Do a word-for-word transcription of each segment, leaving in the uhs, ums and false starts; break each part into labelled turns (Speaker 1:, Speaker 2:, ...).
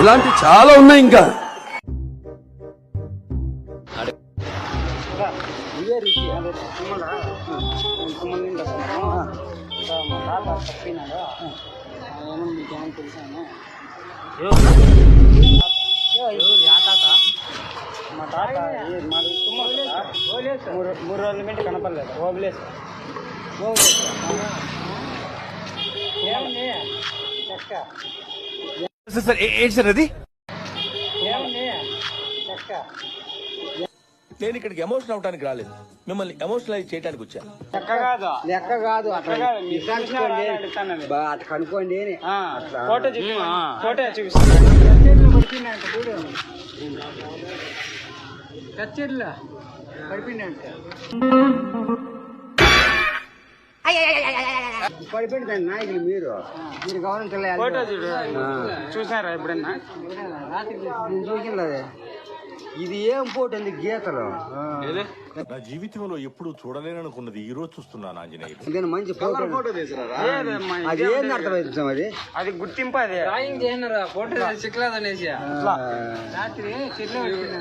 Speaker 1: ఇలాంటి చాలా ఉన్నాయి ఇంకా.
Speaker 2: మా తాత మూడు రోజుల మీద కనపడలేదు. ఓబులేసు ఏమండి చెక్క
Speaker 3: సార్ ఏంటి సార్ అది?
Speaker 2: ఏమండి చెక్క
Speaker 3: నేను ఇక్కడికి ఎమోషన్ అవడానికి రాలేదు, మిమ్మల్ని ఎమోషనలైజ్ చేయడానికి వచ్చాను.
Speaker 2: చెక్క కాదు
Speaker 4: లెక్క కాదు అట్లా కనుక్కోండి.
Speaker 2: ఫోటో చూపి ఫోటో చూపిస్తాను. కచ్చేరిలో పడిపోయినంట
Speaker 4: పడిపోయిందండి నాయకులు. మీరు మీరు గమనించలే
Speaker 2: ఫోటో చూడు చూసారా ఎప్పుడన్నా?
Speaker 4: రాత్రి చూసింది. ఇది ఏం పోటీ అంది గీతలు.
Speaker 5: నా జీవితంలో ఎప్పుడు చూడలేననుకున్నది ఈ రోజు చూస్తున్నాను ఆంజనేయుడు.
Speaker 4: ఇదేనా మంచి ఫోటో? అది ఏం అర్థమైంది అది?
Speaker 2: అది గుర్తింపు. అది డ్రాయింగ్ చేసినారా ఫోటో చిక్కలేదు అనేసి రాత్రి చెట్లు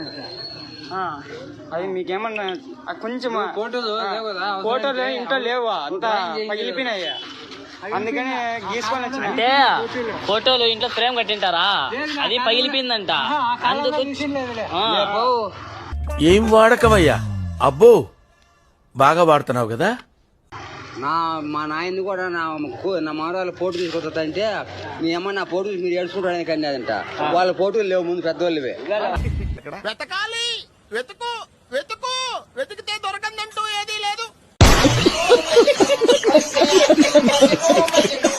Speaker 2: అది మీకేమన్నా కొంచెం ఫోటోలు ఫోటోలు ఇంట్లో లేవు, అంతా పగిలిపోయినాయి. అందుకని గీసుకొని వచ్చిన.
Speaker 6: అంటే ఫోటోలు ఇంట్లో ఫ్రేమ్ కట్టింటారా, అది పగిలిపోయిందంట. అందుకు
Speaker 3: ఏం వాడకమయ్యా? అబ్బో బాగా వాడుతున్నావు కదా.
Speaker 4: నా మా నాయన్ని కూడా నా నా మానవాళ్ళ ఫోటో తీసుకొస్తుందంటే మీ అమ్మ నా ఫోటో మీరు ఏడ్చుకుంటానికి అన్నదంట. వాళ్ళ ఫోటోలు లేవు ముందు పెద్దవాళ్ళవే.
Speaker 3: వెతకాలి, వెతుకు వెతుకు వెతికితే దొరకందంటూ ఏదీ లేదు.